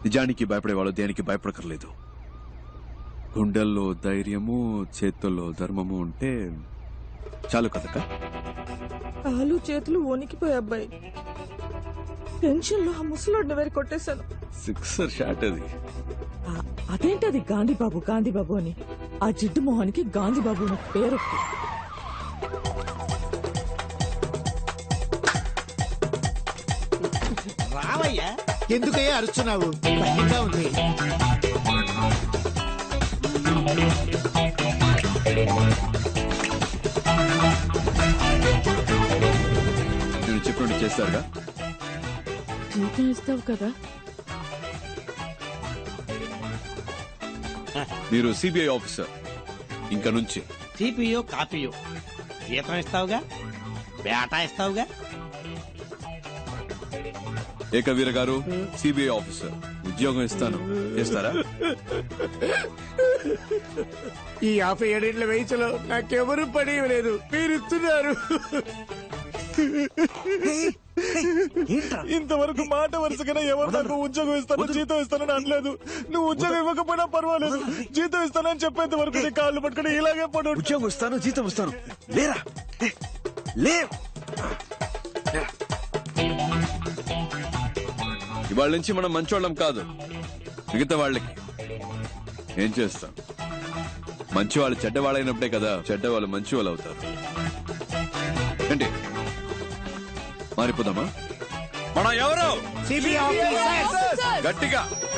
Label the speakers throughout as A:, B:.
A: నిజానికి భయపడేవాళ్ళు దేనికి భయపడకర్లేదు. గుండెల్లో ధైర్యము, చేతుల్లో ధర్మము ఉంటే చాలు కదక్క.
B: కాలు చేతులు వణికిపోయి అబ్బాయి. టెన్షన్ లో ఆ ముసలాడిని వేరు కొట్టేశాను.
A: 6 షాట్ అది.
B: అదేంటది గాంధీబాబు గాంధీబాబు అని? ఆ జిడ్డు మొహానికి గాంధీబాబు అని పేరు.
C: రావయ్యా, ఎందుకయ్యా అరుస్తున్నావు? భయంగా ఉంది.
A: నేను చెప్పినట్టు చేస్తారుగా.
B: జీతం ఇస్తావు కదా?
A: మీరు సిబిఐ ఆఫీసర్. ఇంకా నుంచి
C: సిపియో కాపీయో జీతం ఇస్తావుగా, బేటా ఇస్తావుగా.
A: ఏకవీర గారు సిబిఐ ఆఫీసర్, ఉద్యోగం ఇస్తాను, చేస్తారా?
C: ఈ 57 వయసులో నాకెవరు పని లేదు, మీరు ఇస్తున్నారు.
D: ఇంతవరకు మాట వరుసగా ఎవరు నాకు ఉద్యోగం ఇస్తాను జీతం ఇస్తానని అనలేదు. నువ్వు ఉద్యోగం ఇవ్వకపోయినా పర్వాలేదు, జీతం ఇస్తానని చెప్పేంత వరకు నీ కాళ్ళు పట్టుకుని ఇలాగే పడు.
E: ఉద్యోగం ఇస్తాను, జీతం ఇస్తాను, లేరా లే.
A: ఇవాళ నుంచి మనం మంచోళ్ళం కాదు. మిగతా వాళ్ళకి ఏం చేస్తాం? మంచి వాళ్ళు చెడ్డవాళ్ళైనప్పుడే కదా చెడ్డవాళ్ళు మంచి వాళ్ళు అవుతారు. ఏంటి మారిపోదామా? మనం ఎవరు? గట్టిగా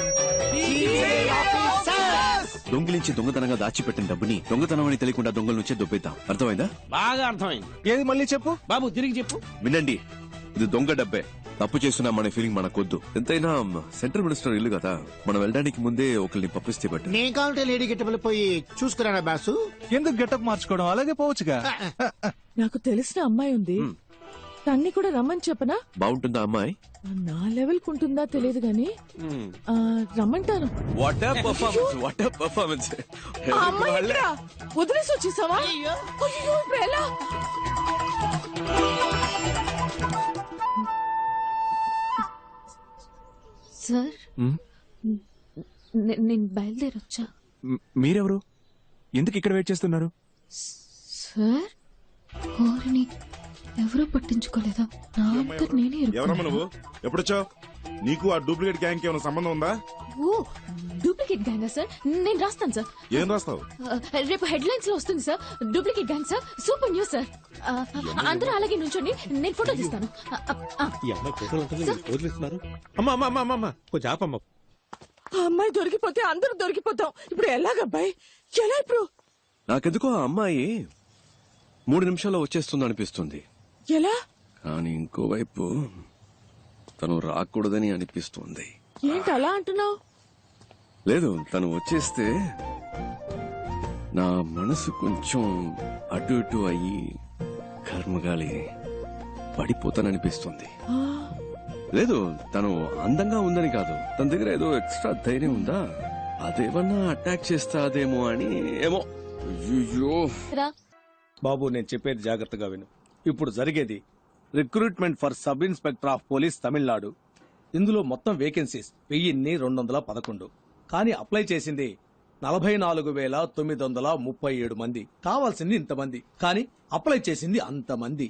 A: దొంగిలించి దొంగతనంగా దాచిపెట్టిన డబ్బుని దొంగతనం అని తెలియకుండా దొంగల నుంచే దొబ్బేద్దాం. అర్థమైందా?
C: బాగా అర్థమైంది.
D: ఏది మళ్ళీ చెప్పు
C: బాబు, తిరిగి చెప్పు.
A: వినండి, ఇది దొంగ డబ్బే. తప్పు చేస్తున్నామనే ఫీలింగ్ మనకొద్దు. ఎంతైనా సెంట్రల్ మినిస్టర్ ఇల్లు కదా, మనం వెళ్ళడానికి ముందే ఒకరిని పంపిస్తే బట్టి.
C: నేను కావాలంటే లేడీ గెట్టబుల్ పోయి చూసుకురానా బాసు?
D: ఎందుకు గెటప్ మార్చుకోవడం, అలాగే పోవచ్చుగా.
B: నాకు తెలిసిన అమ్మాయి ఉంది, తన్ని కూడా రమ్మని చెప్పనా?
A: బాగుంటుందా అమ్మాయి?
B: నా లెవెల్ కుంటుందా తెలియదు గాని రమ్మంటాను.
A: What a performance, what a performance.
B: ఆ అమ్మాయి ఎక్కడా? వదిలేసి వచ్చేసావా? అయ్యో, ఇప్పుడు ఎలా?
F: సార్, నేను బయలుదేరొచ్చా.
D: మీరెవరు? ఎందుకు ఇక్కడ వెయిట్ చేస్తున్నారు?
F: సార్, కోరిని ఎవరూ పట్టించుకోలేదా? నా అంతా నేనే
G: ఎవరమ్మా నువ్వు? ఎప్పుడొచ్చావు? నీకు ఆ డూప్లికేట్ గ్యాంగ్ కి ఏమైనా సంబంధం ఉందా?
F: ఓ, డూప్లికేట్ గ్యాంగా సార్? నేను రాస్తాను సార్.
G: ఏం రాస్తావు?
F: రేపు హెడ్లైన్స్ లో వస్తుంది sir. Duplicate gang sir, super news sir. అందరూ అలాగే నుంచోండి, నేను ఫోటో తీస్తాను.
D: కొంచెం ఆపమ్మ.
B: ఆ అమ్మాయి దొరికిపోతే అందరూ దొరికిపోతాం. ఇప్పుడు ఎలాగబ్బాయి, ఎలా ఇప్పుడు?
A: నాకెందుకో ఆ అమ్మాయి 3 నిమిషాల్లో వచ్చేస్తుంది అనిపిస్తుంది.
B: ఎలా?
A: కానీ ఇంకోవైపు తను రాకూడదని అనిపిస్తుంది.
B: ఏంటి అలా అంటున్నావు?
A: లేదు, తను వచ్చేస్తే నా మనసు కొంచెం అటు ఇటు అయ్యి కర్మగాలి పడిపోతాననిపిస్తుంది. లేదు, తను అందంగా ఉందని కాదు, తన దగ్గర ఏదో ఎక్స్ట్రా ధైర్యం ఉందా, అదేమన్నా అటాక్ చేస్తాదేమో అని. ఏమో. అయ్యో
D: బాబు, నేను చెప్పేది జాగ్రత్తగా విను. ఇప్పుడు జరిగేది recruitment for sub inspector of police Tamil Nadu. ఇందులో మొత్తం వేకెన్సీస్ 1211. కానీ అప్లై చేసింది 44,937 మంది. కావాల్సింది ఇంతమంది, కానీ అప్లై చేసింది అంతమంది.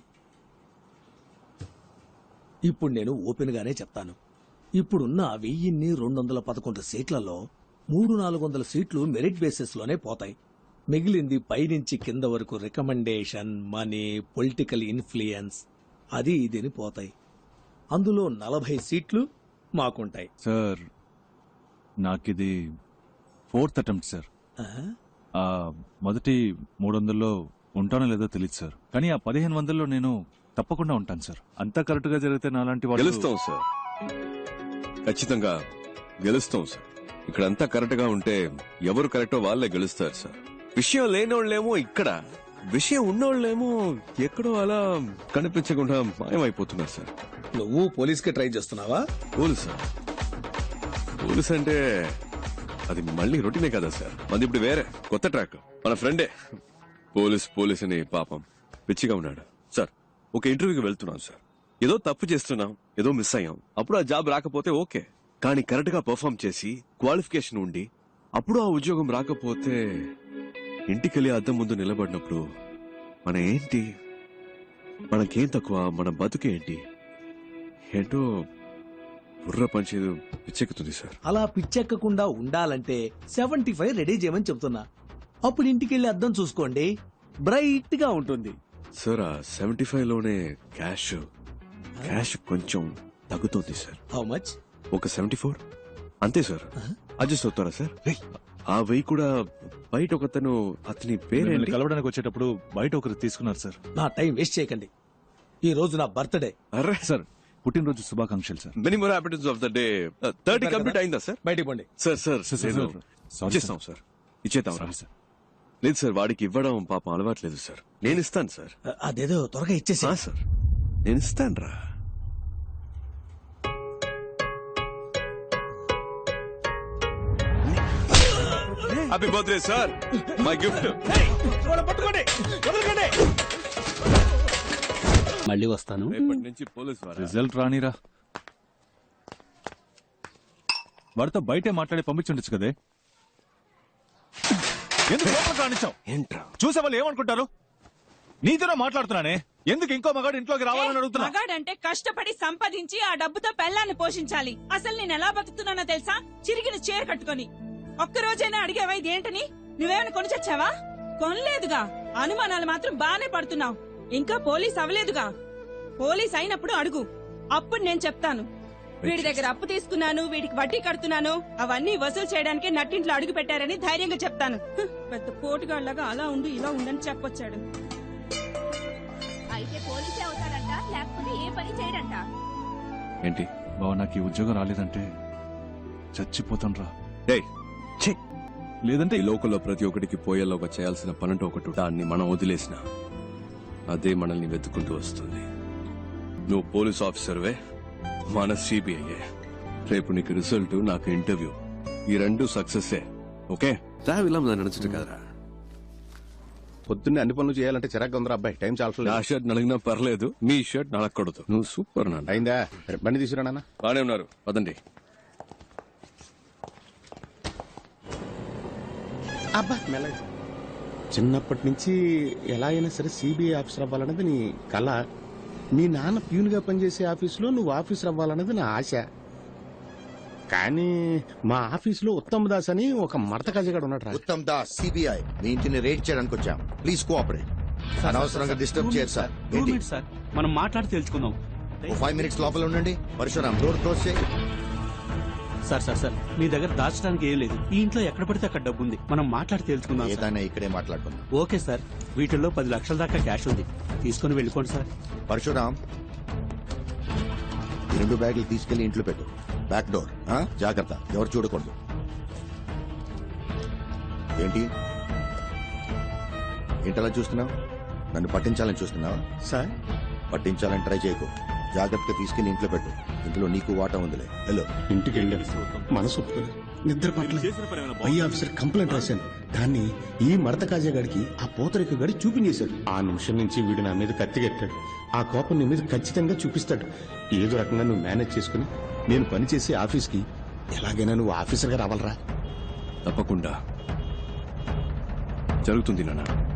D: ఇప్పుడు నేను ఓపెన్ గానే చెప్తాను. ఇప్పుడున్న 1211 సీట్లలో 300-400 సీట్లు మెరిట్ బేసిస్ లోనే పోతాయి. మిగిలింది పైనుంచి కింద వరకు రికమెండేషన్, మనీ, పొలిటికల్ ఇన్ఫ్లుయెన్స్, అది ఇదిని పోతాయి. అందులో 40 సీట్లు మాకుంటాయి.
H: సార్, నాకిది 4th అటెంప్ట్ సార్. మొదటి 300లో ఉంటానో లేదో తెలియదు సార్, కానీ ఆ 1500లో నేను తప్పకుండా ఉంటాను సార్. అంతా కరెక్ట్ గా జరిగితే నాలాంటి వాళ్ళు
A: గెలుస్తాం సార్, ఖచ్చితంగా గెలుస్తాం సార్. ఇక్కడంతా కరెక్ట్ గా ఉంటే ఎవరు కరెక్టో వాళ్ళే గెలుస్తారు సార్. విషయం లేనోళ్ళేమో ఇక్కడ, విషయం ఉన్నోళ్ళేమో ఎక్కడో అలా కనిపించకుండా మాయమైపోతున్నారు సార్.
D: నువ్వు పోలీస్ కి ట్రై చేస్తున్నావా?
A: పోలీస్ పోలీస్ అంటే అది మళ్ళీ రొటీనే కదా సార్. మంది ఇప్పుడు వేరే కొత్త ట్రాక్. మన ఫ్రెండే పోలీస్ అని పాపం పిచ్చిగా ఉన్నాడు సార్. ఒక ఇంటర్వ్యూకి వెళ్తున్నాం సార్, ఏదో తప్పు చేస్తున్నాం, ఏదో మిస్ అయ్యాం. అప్పుడు ఆ జాబ్ రాకపోతే ఓకే, కానీ కరెక్ట్ గా పర్ఫామ్ చేసి క్వాలిఫికేషన్ ఉండి అప్పుడు ఆ ఉద్యోగం రాకపోతే ఇంటికెళ్ళి అద్దం ముందు నిలబడినప్పుడు మన ఏంటి, మనకేం తక్కువ, మన బతుకేంటి ఏంటో బుర్ర పంచేది పిచ్చెక్కుతుంది సార్.
D: అలా పిచ్చెక్కకుండా ఉండాలంటే 75 రెడీ చేయమని చెప్తున్నా. అప్పుడు ఇంటికెళ్ళి అద్దం చూసుకోండి, బ్రైట్ గా ఉంటుంది.
A: సార్ ఆ 75 లోనే క్యాష్ కొంచెం తగ్గుతుంది సార్.
D: How much?
A: ఒక 74 అంతే సార్. అడ్జస్ట్ అవుతారా సార్? ఆ వెయ్యి కూడా బయట ఒకతను, అతని
H: మిమ్మల్ని
A: పేరేంటి?
H: కలవడానికి వచ్చేటప్పుడు బయట ఒకరు తీసుకున్నారు సార్.
D: నా టైం వేస్ట్ చేయకండి. ఈ రోజు నా బర్త్డే.
A: అరే
H: సార్ పుట్టినరోజు శుభాకాంక్షలు sir.
A: Many more happiness of the day. 30 complete అయిందా సార్?
D: బయటికి పోండి.
A: సార్
H: సార్, సార్,
A: లేదు.
H: సారీ
A: ఇచ్చేస్తాం సార్, ఇచ్చేద్దాం రా.
H: Sorry sir.
A: లేదు సార్, వాడికి ఇవ్వడం పాపం అలవాట్లేదు సార్. నేను ఇస్తాను సార్.
D: అదేదో త్వరగా ఇచ్చేసి.
A: సార్ నేను ఇస్తాను రా. Happy birthday sir, my gift.
I: మళ్ళీ వస్తాను.
A: రేపటి నుంచి పోలీస్ వారా?
H: రిజల్ట్ రానిరా. వాడితో బయటే మాట్లాడి పంపించుండొచ్చు కదే. ఎందుకు లోపలికి రానిచ్చావు?
A: ఏంట్రా?
H: చూసే వాళ్ళు ఏమనుకుంటారు? నీతోనే మాట్లాడుతున్నానే, ఎందుకు ఇంకో మగాడు ఇంట్లోకి రావాలని అడుగుతున్నా?
B: మగాడంటే కష్టపడి సంపాదించి ఆ డబ్బుతో పెళ్ళాన్ని పోషించాలి. అసలు నేను ఎలా బతుకుతున్నానో తెలుసా? చిరిగిన చీర కట్టుకొని. ఒక్క రోజైనా అడిగావా ఇదేంటని? నువ్వేమైనా కొని చచ్చావా? కొనలేదుగా. అనుమానాలు మాత్రం బానే పడుతున్నావు. ఇంకా పోలీస్ అవ్వలేదుగా. పోలీస్ అయినప్పుడు అడుగు, అప్పుడు నేను చెప్తాను. వీడి దగ్గర అప్పు తీసుకున్నాను, వీడికి వడ్డీ కడుతున్నాను, అవన్నీ వసూలు చేయడానికే నట్టింట్లో అడుగు పెట్టారని ధైర్యంగా చెప్తాను. పెద్ద పోటుగాళ్లాగా అలా ఉండు ఇలా ఉండని చెప్పొచ్చాడు.
F: అయితే పోలీసే అవుతాడంట, లేకపోతే ఏ పని చేయడంట.
A: ఏంటి?
H: బావ నాకు ఈ ఉద్యోగం రాలేదంటే చచ్చిపోతాను రా.
A: ఏయ్, ఛీ!
H: లేదంటే
A: ఈ లోకంలో ప్రతి ఒక్కడికి పోయేలోగా చేయాల్సిన పనంటూ ఒకటి, దాన్ని మనం వదిలేసిన అదే మనల్ని వెతుక్కుంటూ వస్తుంది. నువ్వు పోలీస్ ఆఫీసర్వే, మన సిబిఐ. రేపు నీకు రిజల్ట్, నాకు ఇంటర్వ్యూ, ఈ రెండు సక్సెస్. ఓకే ఇలా నడుచుట కదరా.
E: పొద్దున్నే అన్ని పనులు చేయాలంటే చిరాకు ఉందిరా అబ్బాయి. టైం
A: నా
E: చాలా
A: షర్ట్ నలిగినా పర్లేదు, మీ షర్ట్ నలగకూడదు. నువ్వు సూపర్ నాన్న.
E: అయిందా? బండి తీసుకురా నాన్న.
A: బానే ఉన్నారు, పదండి.
E: అబ్బా మెల్లగా. చిన్నప్పటి నుంచి ఎలా అయినా సరే సిబిఐ ఆఫీసర్ అవ్వాలన్నది నీ కళ. మీ నాన్న ప్యూన్ గా పనిచేసే ఆఫీసులో నువ్వు ఆఫీసర్ అవ్వాలన్నది నా ఆశ. కానీ మా ఆఫీసులో ఉత్తమ్ దాస్ అని ఒక మడత కజగాడు ఉన్నాడు.
J: ఉత్తమ్ దాస్ సిబిఐ మీ ఇంటిని రేట్ చేయడానికి వచ్చాం. Please cooperate. అనవసరంగా డిస్టర్బ్ చేయరు సార్. ఏంటి?
I: సార్ మనం మాట్లాడి తెలుసుకుందాం.
J: 5 minutes లోపల ఉండండి. పరశురామ్ డోర్ క్లోజ్ చేయి.
I: సార్ మీ దగ్గర దాచడానికి ఏం లేదు. ఈ ఇంట్లో ఎక్కడ పడితే అక్కడ డబ్బు ఉంది. మనం మాట్లాడి తెలుసుకుందాం. సార్.
J: ఏదైనా ఇక్కడే మాట్లాడుకుందాం.
I: ఓకే సార్, వీటిల్లో 10 లక్షల దాకా క్యాష్ ఉంది. తీసుకుని వెళ్ళిపోండి సార్.
J: పరశురామ్ ఈ 2 బ్యాగులు తీసుకెళ్లి ఇంట్లో పెట్టు. బ్యాక్ డోర్ జాగ్రత్త, ఎవరు చూడకూడదు. ఏంటి ఏంటలా చూస్తున్నావు? నన్ను పట్టించాలని చూస్తున్నావా?
E: సార్
J: పట్టించాలని ట్రై చేయకు. జాగ్రత్తగా తీసుకెళ్లి ఇంట్లో పెట్టు. ఇందులో నీకు వాటా ఉందిలే. హలో.
E: ఇంటికి వెళ్ళాను, మనసు ఒప్పుకోలేదు, నిద్ర పట్టలేదు. పై ఆఫీసర్ కంప్లైంట్ రాశాను. దాన్ని ఈ మడత కాజాగాడికి ఆ పోతరిక గడి చూపించేశాడు. ఆ నిమిషం నుంచి వీడు నా మీద కత్తిగట్టాడు. ఆ కోపం నీ మీద ఖచ్చితంగా చూపిస్తాడు. ఏదో రకంగా నువ్వు మేనేజ్ చేసుకుని నేను పనిచేసే ఆఫీస్కి ఎలాగైనా నువ్వు ఆఫీసర్గా రావాలరా.
A: తప్పకుండా జరుగుతుంది నాన్న.